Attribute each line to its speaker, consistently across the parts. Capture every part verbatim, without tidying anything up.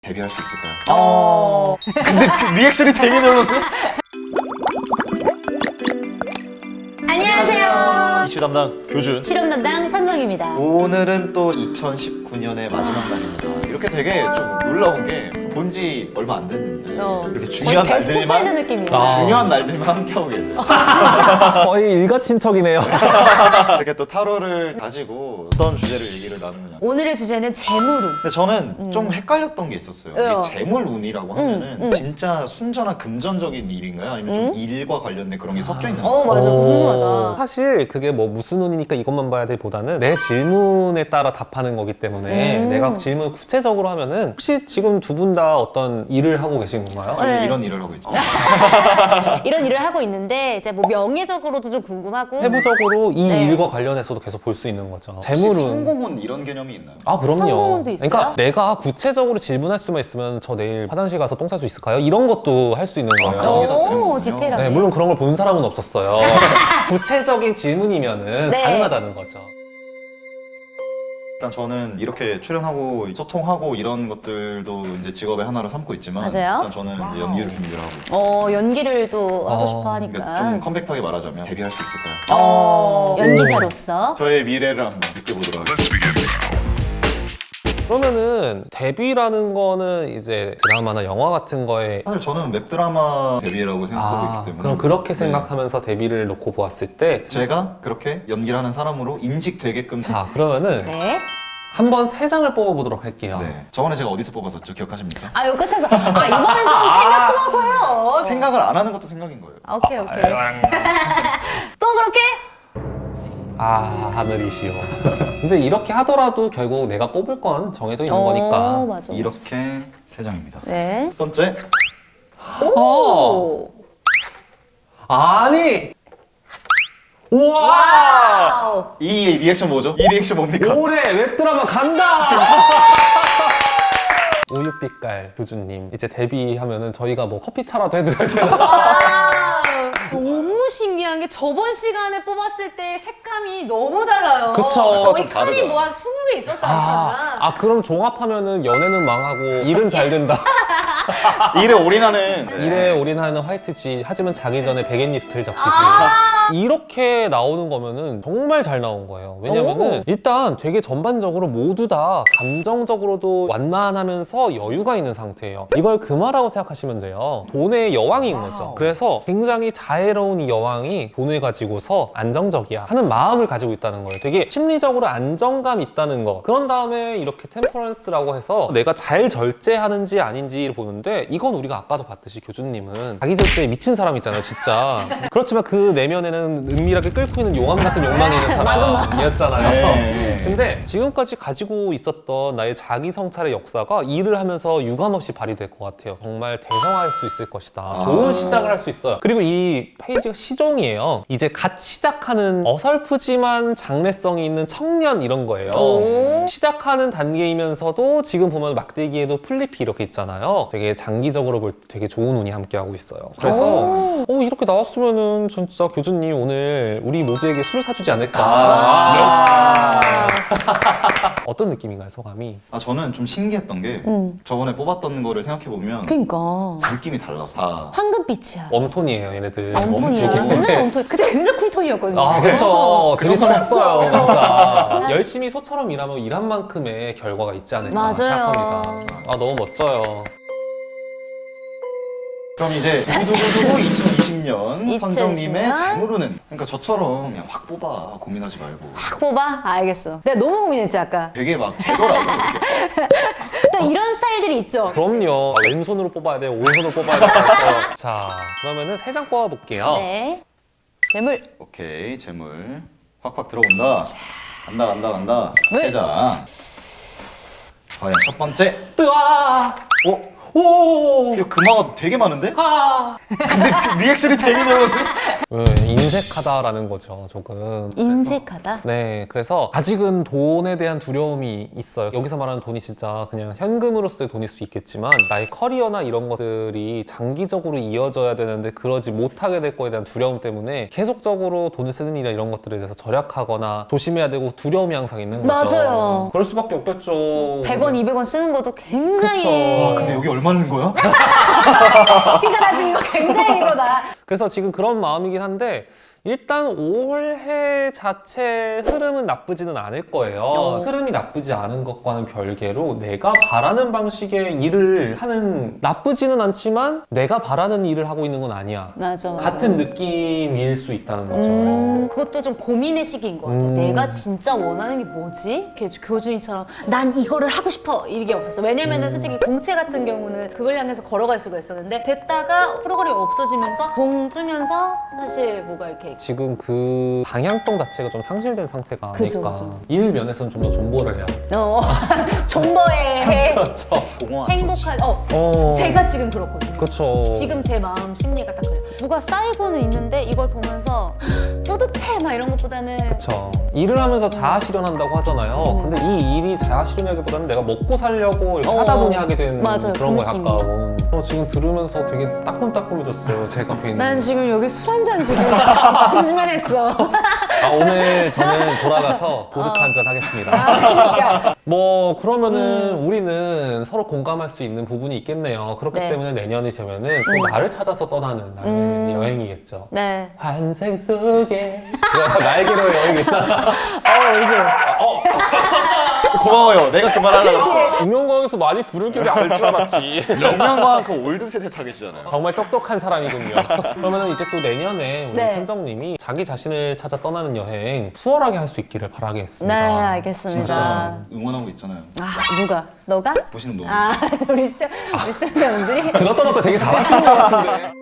Speaker 1: 데뷔할 수 있을까요?
Speaker 2: 어.
Speaker 1: 근데 그 리액션이 되게 별로인데?
Speaker 2: 안녕하세요.
Speaker 1: 이슈 담당 교준.
Speaker 2: 실험 담당 선정입니다.
Speaker 1: 오늘은 또 이천십구 년의 마지막 날입니다. 이렇게 되게 좀 놀라운 게 본지 얼마 안 됐는데
Speaker 2: 어.
Speaker 1: 이렇게 중요한
Speaker 2: 거의 베스트 프렌드
Speaker 1: 날들만
Speaker 2: 느낌이야.
Speaker 3: 아.
Speaker 1: 중요한 날들만 함께하고 계세요.
Speaker 3: 거의 일가친척이네요.
Speaker 1: 이렇게 또 타로를 가지고 어떤 주제를 얘기를 나누느냐.
Speaker 2: 오늘의 주제는 재물운.
Speaker 1: 근데 저는 좀 헷갈렸던 게 있었어요.
Speaker 2: 어.
Speaker 1: 이 재물운이라고 하면은
Speaker 2: 음, 음.
Speaker 1: 진짜 순전한 금전적인 일인가요? 아니면 좀 일과 관련된 그런 게 섞여 있는
Speaker 2: 어
Speaker 1: 건가요?
Speaker 2: 맞아,
Speaker 3: 어,
Speaker 2: 궁금하다.
Speaker 3: 사실 그게 뭐 무슨 운이니까 이것만 봐야 되보다는 내 질문에 따라 답하는 거기 때문에
Speaker 2: 음.
Speaker 3: 내가 질문을 구체적으로 하면은 혹시 지금 두 분 다 어떤 일을 하고 계신 건가요?
Speaker 1: 저는
Speaker 2: 네.
Speaker 1: 이런 일을 하고 있죠.
Speaker 2: 이런 일을 하고 있는데 이제 뭐 명예적으로도 좀 궁금하고.
Speaker 3: 세부적으로 이
Speaker 2: 네.
Speaker 3: 일과 관련해서도 계속 볼 수 있는 거죠.
Speaker 1: 혹시
Speaker 3: 재물운.
Speaker 1: 성공운 이런 개념이 있나요?
Speaker 3: 아 그럼요.
Speaker 2: 성공운도 있어요?
Speaker 3: 그러니까 내가 구체적으로 질문할 수만 있으면 저 내일 화장실 가서 똥 쌀 수 있을까요? 이런 것도 할 수 있는
Speaker 1: 아,
Speaker 3: 거예요.
Speaker 1: 그런 게 다 되는
Speaker 2: 오,
Speaker 1: 거군요.
Speaker 2: 디테일하네.
Speaker 3: 네, 물론 그런 걸 본 사람은 없었어요. 구체적인 질문이면은
Speaker 2: 네.
Speaker 3: 가능하다는 거죠.
Speaker 1: 일단 저는 이렇게 출연하고 소통하고 이런 것들도 이제 직업의 하나로 삼고 있지만
Speaker 2: 맞아요.
Speaker 1: 일단 저는 이제 연기를 준비를 하고 있고
Speaker 2: 어 연기를 또 하고
Speaker 3: 어,
Speaker 2: 싶어
Speaker 1: 그러니까
Speaker 2: 하니까.
Speaker 1: 좀 컴팩트하게 말하자면 데뷔할 수 있을까요?
Speaker 2: 어 연기자로서.
Speaker 1: 저의 미래를 한번 느껴보도록 하겠습니다.
Speaker 3: 그러면은 데뷔라는 거는 이제 드라마나 영화 같은 거에
Speaker 1: 사실 저는 웹드라마 데뷔라고 생각하고
Speaker 3: 아,
Speaker 1: 있기 때문에
Speaker 3: 그럼 그렇게
Speaker 1: 네.
Speaker 3: 생각하면서 데뷔를 놓고 보았을 때
Speaker 1: 제가 그렇게 연기를 하는 사람으로 인식되게끔
Speaker 3: 자, 그러면은
Speaker 2: 네.
Speaker 3: 한번 세 장을 뽑아보도록 할게요.
Speaker 1: 네. 저번에 제가 어디서 뽑았었죠? 기억하십니까?
Speaker 2: 아, 요 끝에서 아 이번엔 좀 생각 좀 하고 해요.
Speaker 1: 생각을 안 하는 것도 생각인 거예요.
Speaker 2: 아, 오케이 오케이. 또 그렇게?
Speaker 3: 아, 하늘이시여. 근데 이렇게 하더라도 결국 내가 뽑을 건 정해져 있는
Speaker 2: 어,
Speaker 3: 거니까.
Speaker 2: 맞아.
Speaker 1: 이렇게 세 장입니다.
Speaker 2: 네.
Speaker 1: 첫 번째,
Speaker 2: 오.
Speaker 3: 아니! 우와!
Speaker 2: 와우.
Speaker 1: 이 리액션 뭐죠? 이 리액션 뭡니까?
Speaker 3: 올해 웹드라마 간다! 우유빛깔 교주님 이제 데뷔하면은 저희가 뭐 커피차라도 해드려야 되나?
Speaker 2: 와우. 너무 신기한 게 저번 시간에 뽑았을 때 색감이 너무 달라요.
Speaker 3: 그쵸.
Speaker 2: 거의
Speaker 1: 좀
Speaker 2: 칼이
Speaker 1: 다르죠.
Speaker 2: 뭐 한 스무 개 있었잖아.
Speaker 3: 아, 아 그럼 종합하면은 연애는 망하고 일은 잘 된다.
Speaker 1: 일에 올인하는 네.
Speaker 3: 일에 올인하는 화이트 G 하지만 자기 전에 백엔잎을 적시지.
Speaker 2: 아.
Speaker 3: 이렇게 나오는 거면은 정말 잘 나온 거예요. 왜냐면은
Speaker 2: 오.
Speaker 3: 일단 되게 전반적으로 모두 다 감정적으로도 완만하면서 여유가 있는 상태예요. 이걸 금화라고 생각하시면 돼요. 돈의 여왕인 거죠. 그래서 굉장히 자애로운 이 여왕이 돈을 가지고서 안정적이야 하는 마음을 가지고 있다는 거예요. 되게 심리적으로 안정감 있다는 거. 그런 다음에 이렇게 템퍼런스라고 해서 내가 잘 절제하는지 아닌지를 보는데 이건 우리가 아까도 봤듯이 교주님은 자기 절제에 미친 사람이잖아요, 진짜. 그렇지만 그 내면에는 은밀하게 끓고 있는 용암 같은 욕망이 있는 사람이었잖아요.
Speaker 1: 네.
Speaker 3: 근데 지금까지 가지고 있었던 나의 자기 성찰의 역사가 일을 하면서 유감없이 발휘될 것 같아요. 정말 대성할 수 있을 것이다. 좋은 시작을 할 수 있어요. 그리고 이 페이지가 시종이에요. 이제 갓 시작하는 어설프지만 장래성이 있는 청년 이런 거예요.
Speaker 2: 오.
Speaker 3: 시작하는 단계이면서도 지금 보면 막대기에도 풀잎이 이렇게 있잖아요. 되게 장기적으로 볼 때 되게 좋은 운이 함께하고 있어요. 그래서
Speaker 2: 오.
Speaker 3: 어, 이렇게 나왔으면은 진짜 교주님 오늘 우리 모두에게 술을 사주지 않을까.
Speaker 1: 아.
Speaker 3: 어떤 느낌인가요, 소감이?
Speaker 1: 아 저는 좀 신기했던 게
Speaker 2: 음.
Speaker 1: 저번에 뽑았던 거를 생각해 보면
Speaker 2: 그러니까
Speaker 1: 느낌이 달라서 다
Speaker 2: 황금빛이야.
Speaker 3: 웜톤이에요, 얘네들.
Speaker 2: 웜톤이야.
Speaker 1: 되게-
Speaker 2: 굉장히 웜톤. 그때 굉장히 쿨톤이었거든요.
Speaker 3: 아, 그쵸. 되게
Speaker 1: 그쵸.
Speaker 3: 추웠어요, 진짜. 열심히 소처럼 일하면 일한 만큼의 결과가 있지 않을까
Speaker 2: 맞아요.
Speaker 3: 생각합니다. 아, 너무 멋져요.
Speaker 1: 그럼 이제 두구두구두구 이천이십 년 선정님의
Speaker 2: 이천이십 년?
Speaker 1: 재물운은 그러니까 저처럼 그냥 확 뽑아 고민하지 말고
Speaker 2: 확 뽑아? 알겠어. 내가 너무 고민했지 아까.
Speaker 1: 되게 막 재더라고 이렇게.
Speaker 2: 또 이런 스타일들이 있죠.
Speaker 3: 그럼요. 아, 왼손으로 뽑아야 돼요, 오른손으로 뽑아야 돼요. 자, 그러면은 세 장 뽑아볼게요.
Speaker 2: 네. 재물.
Speaker 1: 오케이 재물 확확 들어온다. 간다 간다 간다.
Speaker 2: 재물.
Speaker 1: 세장 과연 첫 번째
Speaker 3: 뜨아!
Speaker 1: 오
Speaker 3: 오.
Speaker 1: 이거 금화가 되게 많은데?
Speaker 3: 아.
Speaker 1: 근데 그 리액션이 되게 많은데?
Speaker 3: 왜 인색하다라는 거죠, 조금.
Speaker 2: 인색하다?
Speaker 3: 네, 그래서 아직은 돈에 대한 두려움이 있어요. 여기서 말하는 돈이 진짜 그냥 현금으로서의 돈일 수 있겠지만 나의 커리어나 이런 것들이 장기적으로 이어져야 되는데 그러지 못하게 될 거에 대한 두려움 때문에 계속적으로 돈을 쓰는 일이나 이런 것들에 대해서 절약하거나 조심해야 되고 두려움이 항상 있는 거죠.
Speaker 2: 맞아요.
Speaker 3: 그럴 수밖에 없겠죠.
Speaker 2: 백 원, 이백 원 쓰는 것도 굉장히.
Speaker 3: 그쵸.
Speaker 1: 와, 근데 여기 얼마는 거야?
Speaker 2: 그러니까 나 지금 이거 굉장히 이거다.
Speaker 3: 그래서 지금 그런 마음이긴 한데 일단 올해 자체 흐름은 나쁘지는 않을 거예요.
Speaker 2: 어.
Speaker 3: 흐름이 나쁘지 않은 것과는 별개로 내가 바라는 방식의 일을 하는, 나쁘지는 않지만 내가 바라는 일을 하고 있는 건 아니야.
Speaker 2: 맞아, 맞아.
Speaker 3: 같은 느낌일 수 있다는 거죠.
Speaker 2: 음, 그것도 좀 고민의 시기인 것 같아.
Speaker 3: 음.
Speaker 2: 내가 진짜 원하는 게 뭐지? 이렇게 교준이처럼 난 이거를 하고 싶어 이게 없었어. 왜냐면은
Speaker 3: 음.
Speaker 2: 솔직히 공채 같은 경우는 그걸 향해서 걸어갈 수가 있었는데 됐다가 프로그램이 없어지면서 봉 뜨면서 사실 뭐가 이렇게
Speaker 3: 지금 그 방향성 자체가 좀 상실된 상태가 아닐까.
Speaker 2: 그죠, 그죠.
Speaker 3: 일 면에서는 좀 더 존버를 해야 돼.
Speaker 2: 어 존버의
Speaker 3: 그렇죠.
Speaker 1: 공허한
Speaker 2: 행복한 어
Speaker 3: 어.
Speaker 2: 제가 지금 그렇거든요.
Speaker 3: 그렇죠.
Speaker 2: 지금 제 마음 심리가 딱 그래요. 뭐가 쌓이고는 있는데 이걸 보면서 뿌듯해 막 이런 것보다는
Speaker 3: 그쵸. 일을 하면서 자아 실현한다고 하잖아요.
Speaker 2: 음.
Speaker 3: 근데 이 일이 자아 실현하기보다는 내가 먹고 살려고 이렇게
Speaker 2: 어,
Speaker 3: 하다 보니 하게 된
Speaker 2: 맞아요.
Speaker 3: 그런
Speaker 2: 그
Speaker 3: 거
Speaker 2: 느낌이에요.
Speaker 3: 약간. 저 지금 들으면서 되게 따끔따끔해졌어요. 제가 괜히.
Speaker 2: 난 지금 여기 술 한 잔 지금 있었으면 했어.
Speaker 3: 아, 오늘 저는 돌아가서 보드카 한 잔 하겠습니다.
Speaker 2: 그러니까.
Speaker 3: 뭐 그러면은 우리는 서로 공감할 수 있는 부분이 있겠네요. 그렇기
Speaker 2: 네.
Speaker 3: 때문에 내년이 되면은 또 나를 찾아서 떠나는 나의
Speaker 2: 음.
Speaker 3: 여행이겠죠.
Speaker 2: 네.
Speaker 3: 환생 속에 날개로 여행 있잖아.
Speaker 2: 어 이제
Speaker 1: 고마워요. 내가 그 말 하려고.
Speaker 2: 그치.
Speaker 3: 음영광에서 많이 부를 길을 알 줄 알았지.
Speaker 1: 영양과 그 올드 세대 타겟이잖아요.
Speaker 3: 정말 똑똑한 사람이군요. 그러면 이제 또 내년에 우리
Speaker 2: 네.
Speaker 3: 선정님이 자기 자신을 찾아 떠나는 여행 수월하게 할 수 있기를
Speaker 2: 네
Speaker 3: 바라겠습니다.
Speaker 2: 알겠습니다.
Speaker 1: 진짜 응원하고 있잖아요.
Speaker 2: 아 누가? 너가?
Speaker 1: 보시는 분.
Speaker 2: 아 우리 시청 우리 시청자분들이
Speaker 3: 들었다 놨다 되게 잘하시는 것 같은데.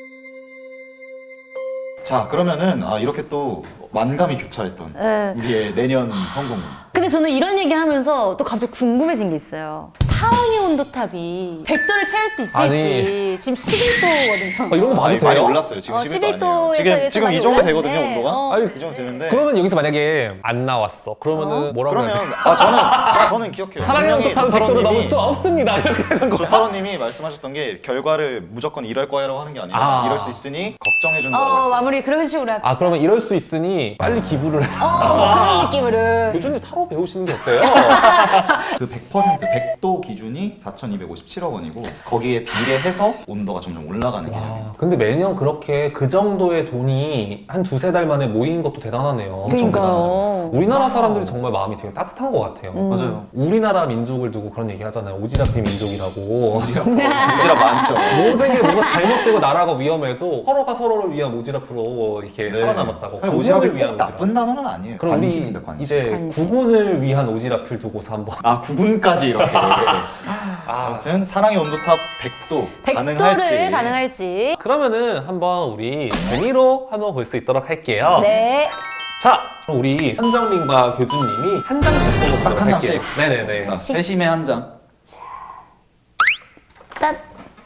Speaker 1: 자, 그러면은 아, 이렇게 또 만감이 교차했던
Speaker 2: 네.
Speaker 1: 우리의 내년 성공은.
Speaker 2: 근데 저는 이런 얘기 하면서 또 갑자기 궁금해진 게 있어요. 사랑의 온도탑이 백 도를 채울 수 있을지.
Speaker 3: 아니.
Speaker 2: 지금 십일 도거든요.
Speaker 3: 어, 이런 거 봐도
Speaker 1: 아니,
Speaker 3: 돼요?
Speaker 1: 많이 올랐어요. 지금
Speaker 2: 어,
Speaker 1: 십일 도
Speaker 2: 십일
Speaker 1: 아니에요.
Speaker 2: 도에서
Speaker 1: 지금
Speaker 2: 이제
Speaker 1: 지금
Speaker 2: 많이
Speaker 1: 이 정도
Speaker 2: 올랐는데,
Speaker 1: 되거든요, 온도가.
Speaker 2: 어.
Speaker 3: 아니,
Speaker 1: 이 정도 되는데.
Speaker 3: 그러면 여기서 만약에 안 나왔어. 그러면은 뭐라고 해야 돼?
Speaker 1: 그러면 아 저는 아, 저는 기억해요.
Speaker 3: 사랑의
Speaker 1: 분명히
Speaker 3: 온도탑은 백 도를 넘을
Speaker 1: 조타로님이-
Speaker 3: 수 없습니다. 이렇게 되는 거야.
Speaker 1: 조타로님이 말씀하셨던 게 결과를 무조건 이럴 거야라고 하는 게 아니라
Speaker 3: 아.
Speaker 1: 이럴 수 있으니 걱정해 준다고
Speaker 2: 어
Speaker 1: 했어요.
Speaker 2: 마무리 그런 식으로 합시다.
Speaker 3: 아, 그러면 이럴 수 있으니 빨리 기부를 해.
Speaker 2: 어, 뭐 그런 느낌으로.
Speaker 3: 교주님 타로 배우시는 게 어때요?
Speaker 1: 그 백 퍼센트 백 도 기준이 사천이백오십칠억 원이고 거기에 비례해서 온도가 점점 올라가는 개념이에요.
Speaker 3: 아, 근데 매년 그렇게 그 정도의 돈이 한 두세 달 만에 모이는 것도 대단하네요.
Speaker 1: 엄청
Speaker 2: 그러니까요.
Speaker 3: 우리나라 사람들이 정말 마음이 되게 따뜻한 것 같아요.
Speaker 2: 음.
Speaker 1: 맞아요.
Speaker 3: 우리나라 민족을 두고 그런 얘기 하잖아요. 오지랖의 민족이라고.
Speaker 1: 오지랖 많죠.
Speaker 3: 모든 게 뭐가 잘못되고 나라가 위험해도 서로가 서로를 위한 오지랖으로 이렇게
Speaker 1: 네.
Speaker 3: 살아남았다고.
Speaker 1: 사실
Speaker 3: 구군을
Speaker 1: 오지랖이
Speaker 3: 위한
Speaker 1: 꼭
Speaker 3: 오지랖.
Speaker 1: 나쁜 단어는 아니에요.
Speaker 3: 그럼 우리
Speaker 1: 관심입니다, 관심.
Speaker 3: 이제
Speaker 2: 관심.
Speaker 3: 구군을 위한 오지랖을 두고서 한번.
Speaker 1: 아 구분까지 이렇게.
Speaker 3: 아,
Speaker 1: 아무튼 사랑의 온도탑 백 도
Speaker 2: 백
Speaker 1: 가능할지.
Speaker 2: 도를 가능할지.
Speaker 3: 그러면은 한번 우리 재미로 한번 볼 수 있도록 할게요.
Speaker 2: 네.
Speaker 3: 자, 그럼 우리 선정님과 교주님이 한 장씩 뽑아보도록
Speaker 1: 딱한
Speaker 3: 할게요.
Speaker 1: 장씩?
Speaker 3: 네네네.
Speaker 1: 자, 세심의 한 장.
Speaker 2: 딴.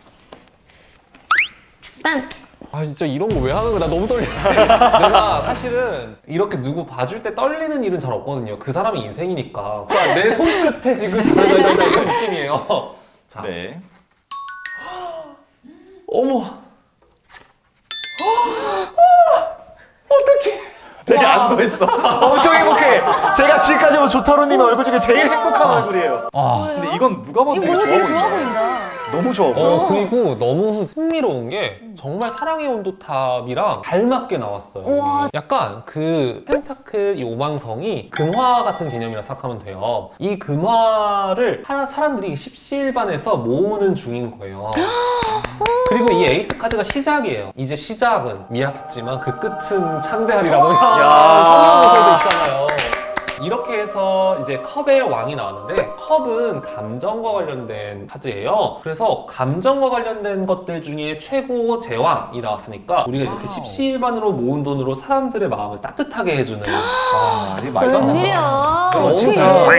Speaker 2: 딴.
Speaker 3: 아 진짜 이런 거 왜 하는 거야? 나 너무 떨려. 내가 사실은 이렇게 누구 봐줄 때 떨리는 일은 잘 없거든요. 그 사람의 인생이니까. 그러니까 내 손끝에 지금 달달달달 이런 느낌이에요. 자,
Speaker 1: 네.
Speaker 3: 어머. 어떡해.
Speaker 1: 되게
Speaker 3: 와.
Speaker 1: 안도했어. 엄청 행복해. 제가 지금까지 본 조타로님의 얼굴 중에 제일 행복한 얼굴이에요.
Speaker 3: 아.
Speaker 1: 근데 이건 누가 봐도
Speaker 2: 이거
Speaker 1: 되게
Speaker 2: 뭔가
Speaker 1: 좋아
Speaker 2: 되게 좋아
Speaker 1: 보인다.
Speaker 2: 보인다.
Speaker 1: 너무 좋아 보여.
Speaker 3: 어, 그리고 너무 흥미로운 게 정말 사랑의 온도탑이랑 잘 맞게 나왔어요.
Speaker 2: 우와.
Speaker 3: 약간 그 펜타클 이 오망성이 금화 같은 개념이라 생각하면 돼요. 이 금화를 하나 사람들이 십시일반에서 모으는 중인 거예요. 그리고 이 에이스 카드가 시작이에요. 이제 시작은 미약했지만 그 끝은 창대하리라고 성경 구절도 있잖아요. 이렇게 해서 이제 컵의 왕이 나왔는데 컵은 감정과 관련된 카드예요. 그래서 감정과 관련된 것들 중에 최고 제왕이 나왔으니까 우리가 이렇게 십시일반으로 모은 돈으로 사람들의 마음을 따뜻하게 해주는
Speaker 1: 아, 이게 말도 안 되는
Speaker 2: 웬일이야.
Speaker 3: 너무
Speaker 2: 어떻게
Speaker 3: 잘
Speaker 2: 이래.
Speaker 3: 나왔다.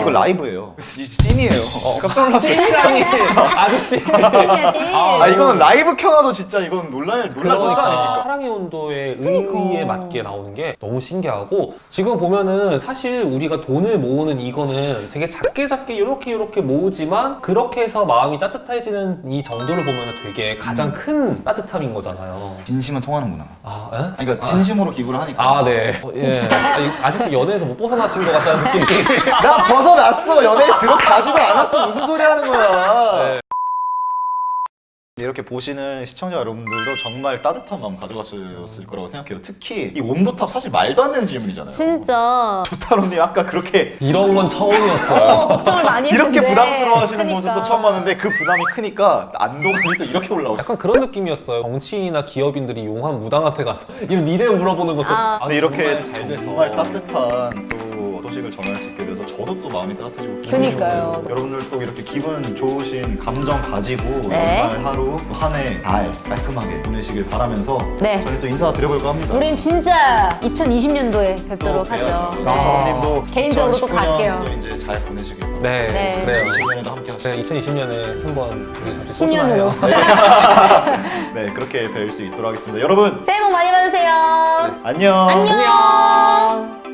Speaker 1: 이거 라이브예요. 찐이에요. 깜짝 놀랐어요.
Speaker 3: 찐이라니 아저씨.
Speaker 2: 찐이야지.
Speaker 1: 아 이거는 라이브 켜놔도 진짜 이건 놀랄 놀랄 문자
Speaker 3: 그러니까
Speaker 1: 아닙니까?
Speaker 3: 사랑의 온도의 의의에 맞게 나오는 게 너무 신기하고 지금 보면은 사실 우리가 돈을 모으는 이거는 되게 작게 작게 이렇게 이렇게 모으지만 그렇게 해서 마음이 따뜻해지는 이 정도를 보면은 되게 가장 큰 따뜻함인 거잖아요.
Speaker 1: 진심은 통하는구나.
Speaker 3: 아, 에?
Speaker 1: 아니, 그러니까 진심으로 기부를 하니까.
Speaker 3: 아, 네. 어, 예. 아니, 아직도 연애에서 못 벗어나신 것 같다는 느낌이.
Speaker 1: 나 벗어났어. 연애에 들어가지도 않았어. 무슨 소리 하는 거야.
Speaker 3: 네.
Speaker 1: 이렇게 보시는 시청자 여러분들도 정말 따뜻한 마음 가져갔을 거라고 생각해요. 특히 이 온도탑 사실 말도 안 되는 질문이잖아요.
Speaker 2: 진짜
Speaker 1: 조타로님 아까 그렇게
Speaker 3: 이런 건 처음이었어요.
Speaker 2: 어, 걱정을 많이 했는데
Speaker 1: 이렇게 부담스러워하시는
Speaker 2: 그러니까.
Speaker 1: 모습도 처음 봤는데 그 부담이 크니까 안도감이 또 이렇게 올라오고.
Speaker 3: 약간 그런 느낌이었어요. 정치인이나 기업인들이 용한 무당한테 가서 이 미래 물어보는 것처럼.
Speaker 2: 아.
Speaker 1: 근데 이렇게
Speaker 3: 정말 잘 돼서.
Speaker 1: 정말 따뜻한 또 소식을 전할 수 있게 돼서 저도 또 마음이 따뜻해지고 기분이
Speaker 2: 그니까요.
Speaker 1: 좋고 여러분들 또 이렇게 기분 좋으신 감정 가지고
Speaker 2: 네.
Speaker 1: 연말 하루 한 해 달 깔끔하게 보내시길 바라면서
Speaker 2: 네.
Speaker 1: 저희 또 인사드려볼까 합니다.
Speaker 2: 우린 진짜 이천이십 년도에 뵙도록 하죠.
Speaker 1: 네.
Speaker 2: 개인적으로 또 갈게요.
Speaker 1: 이제 잘 보내시길 바랍니다.
Speaker 3: 네.
Speaker 2: 네.
Speaker 3: 그래요.
Speaker 1: 이천이십 년에도 함께 하시죠.
Speaker 3: 네, 이천이십 년에 한번 우리 같이
Speaker 2: 신년으로.
Speaker 3: 소중하네요.
Speaker 1: 네, 그렇게 뵐 수 있도록 하겠습니다. 여러분,
Speaker 2: 새해 복 많이 받으세요.
Speaker 1: 안녕.
Speaker 2: 안녕.